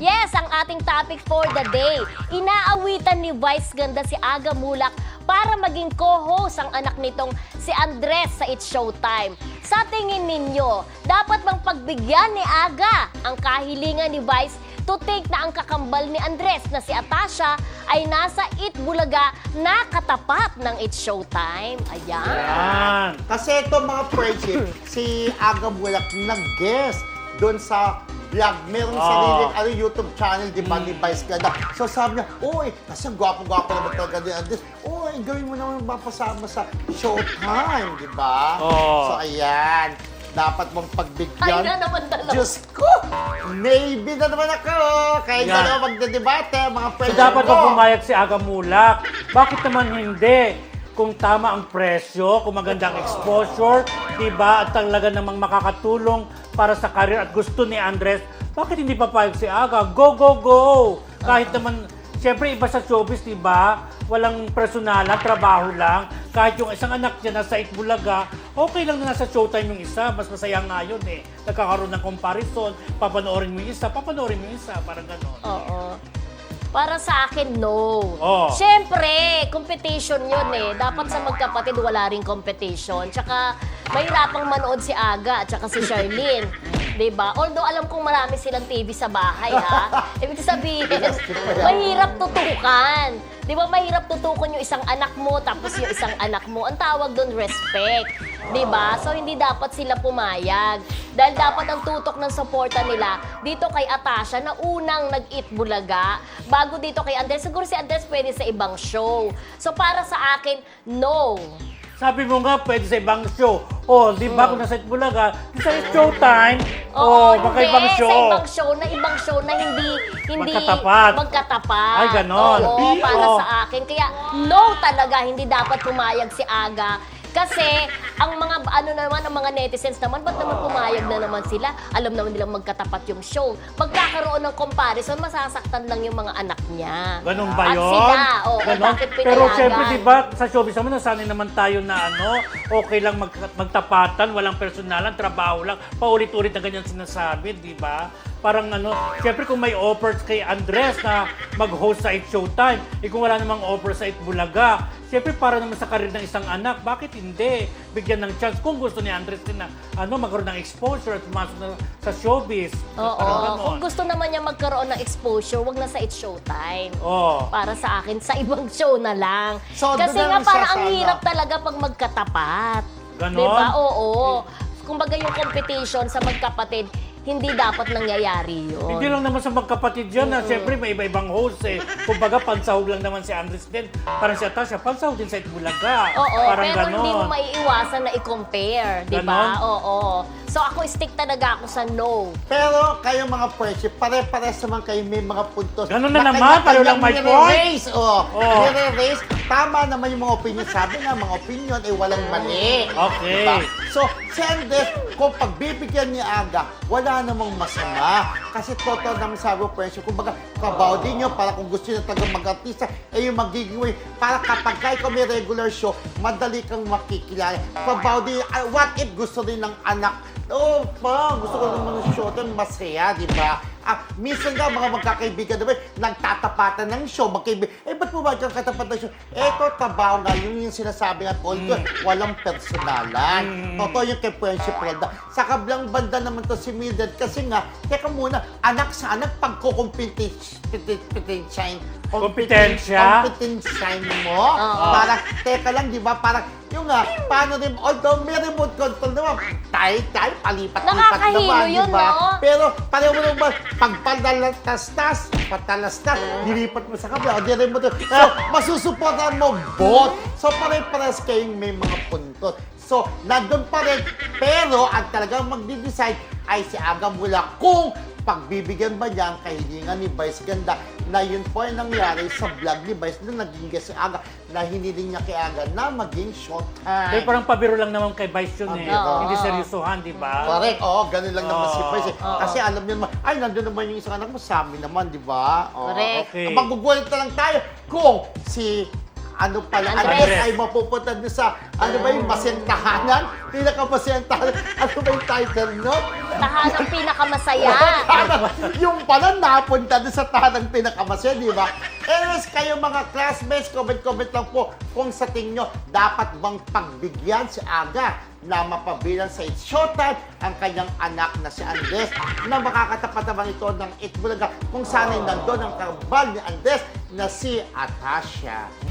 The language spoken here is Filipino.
Yes, ang ating topic for the day. Inaawitan ni Vice Ganda si Aga Mulak para maging co-host ang anak nitong si Andres sa It's Showtime. Sa tingin ninyo, dapat bang pagbigyan ni Aga ang kahilingan ni Vice to think na ang kakambal ni Andres na si Atasha ay nasa It Bulaga na katapat ng It's Showtime? Ayan. Yan. Kasi ito mga friendship, si Aga Mulak nag-guest doon sa vlog. Meron sariling YouTube channel, di ba, ni Vice Ganda. So sabi niya, uy, kasi ang gwapo-gwapo naman talaga ni Andres. Uy, gawin mo naman mapasama sa Showtime, di ba? So ayan, dapat mong pagbigyan. Ay na naman dalawa. Diyos ko! Maybe na naman ako! Kaya Yan. dalawa magdedebate, mga So friends dapat ko. ba pumayag si Aga Mulak? Bakit naman hindi? Kung tama ang presyo, kung maganda ang exposure, diba, at talaga namang makakatulong para sa career at gusto ni Andres, bakit hindi papayag si Aga? Go, go, go! Kahit naman, siyempre iba sa showbiz, diba? Walang personalan, trabaho lang. Kahit yung isang anak niya nasa Itbulaga, okay lang na nasa Showtime yung isa. Mas masaya nga yun eh. Nagkakaroon ng comparison, papanoorin mo yung isa, papanoorin mo yung isa, parang gano'n. Oo. Para sa akin, no. Oh. Siyempre, competition yun eh. Dapat sa magkapatid, wala ring competition. Tsaka, mahirapang manood si Aga at tsaka si Charlene. Diba? Although alam kong marami silang TV sa bahay, ha? Ibig sabihin, mahirap tutukan. Di ba mahirap tutukan yung isang anak mo tapos yung isang anak mo? Ang tawag doon, respect. Di ba? So, hindi dapat sila pumayag. Dahil dapat ang tutok ng suporta nila dito kay Atasha na unang nag-It Bulaga. Bago dito kay Andres. Siguro si Andres pwede sa ibang show. So, para sa akin, no. Sabi mo nga, pwede sa ibang show. O, di ba kung nasa Itbulaga, sa Showtime, o, magkaibang hindi. show. Sa ibang show na hindi Magkatapat. magkatapat. Ay, ganon. Oo, para Oo. sa akin. Kaya, no talaga, hindi dapat pumayag si Aga. Kasi, ang mga, ang mga netizens naman, ba't naman pumayag na naman sila? Alam naman nilang magkatapat yung show. Pagkakaroon ng comparison, masasaktan lang yung mga anak niya. Ganun ba At yun? sila, oo, Ganon? bakit Pero pinayagan? siyempre, di ba, sa showbiz naman, nasanay naman tayo na okay lang magtapatan, walang personalan, trabaho lang, paulit-ulit na ganyan sinasabi, di ba? Parang siyempre kung may offers kay Andres na mag-host sa It Showtime, kung wala namang offer sa It Bulaga, siyempre para naman sa karir ng isang anak, bakit hindi? Bigyan ng chance kung gusto ni Andres din na magkaroon ng exposure at pumasok na sa showbiz. Oo, Parang ganon. kung gusto naman niya magkaroon ng exposure, wag na sa It Showtime. Oo. Para sa akin, sa ibang show na lang. So, Kasi doon nga na parang isa ang sa hirap talaga pag magkatapat. Ganon? Diba? Oo. Kumbaga yung competition sa magkapatid, hindi dapat nangyayari yun. Hindi lang naman sa magkapatid yan. Siyempre, may iba-ibang host eh. Kumbaga, pansahog lang naman si Andres din. Parang si Atasha, pansahog din sa Itbulaga. Oo, Parang pero ganon. hindi mo maiiwasan na i-compare, di ba? Ganon? Oo. So ako stick talaga ako sa no. Pero kayo mga friendship, pare-pares naman kayo may mga puntos. Ganun na naman, pareho lang may nire-raise. Oo. Nire-raise. Tama naman yung mga opinion. Sabi nga, mga opinion ay walang mali. Okay. Diba? So, si Andres, kung pagbibigyan ni Aga, wala namang masama. Kasi totoo naman sabi ko, friendship, kumbaga, kabaw din nyo, para kung gusto nyo talagang mag-artista, yung magiging way. Para kapag kayo may regular show, madali kang makikilala. Kabaw din, what if gusto din ng anak, gusto ko naman ng show doon, masaya, di ba? Minsan nga, mga magkakaibigan, di ba, nagtatapatan ng show, magkaibigan, ba't mo ba katapat ng show? Eto, tabaw nga, yung sinasabi nga, walang personalan. Totoo yung kay Friendship Relda. Sa kablang banda naman to si Mildred, kasi nga, teka muna, anak sa anak, kompetensya mo. Para, teka lang, di ba, parang, yung nga, paano rin, although may remote control naman, tayo, palipat-lipat Nakakahilo naman, yun, di ba? no? Pero pareho mo naman, pag patalastas, dilipat mo sa kabila, o di rin mo doon. So, masusuportahan mo both. So, pare-pares kayong may mga puntos. So, nandun pa rin. Pero, ang talagang magdi-decide ay si Aga Mulak kung pagbibigyan ba niya ang kahilingan ni Vice Ganda na yun po ay nangyari sa vlog ni Vice na naging guest si Aga na hiniling niya kay Aga na maging Showtime. Pero parang pabiro lang naman kay Vice yun eh. Oo. Hindi seryosohan, di ba? Correct, ganun lang naman si Vice. Oo. Kasi alam niyo naman, ay, nandun naman yung isang anak mo, sa amin naman, di ba? Correct. Okay. Magugulit na lang tayo kung si ano pala, Andres. Andres ay mapupunta doon sa, ano ba yung masentahanan? Pinakamasentahanan. Ano ba yung title nun? Tahanang pinakamasaya. Yung pala napunta doon sa tahanang pinakamasaya, di ba? Anyways, kayo mga classmates, comment lang po kung sa tingin nyo, dapat bang pagbigyan si Aga na mapabilang sa It's Showtime ang kanyang anak na si Andres na makakatapat naman ito ng Itbulaga kung sana'y nandun ang karbal ni Andres na si Atasha.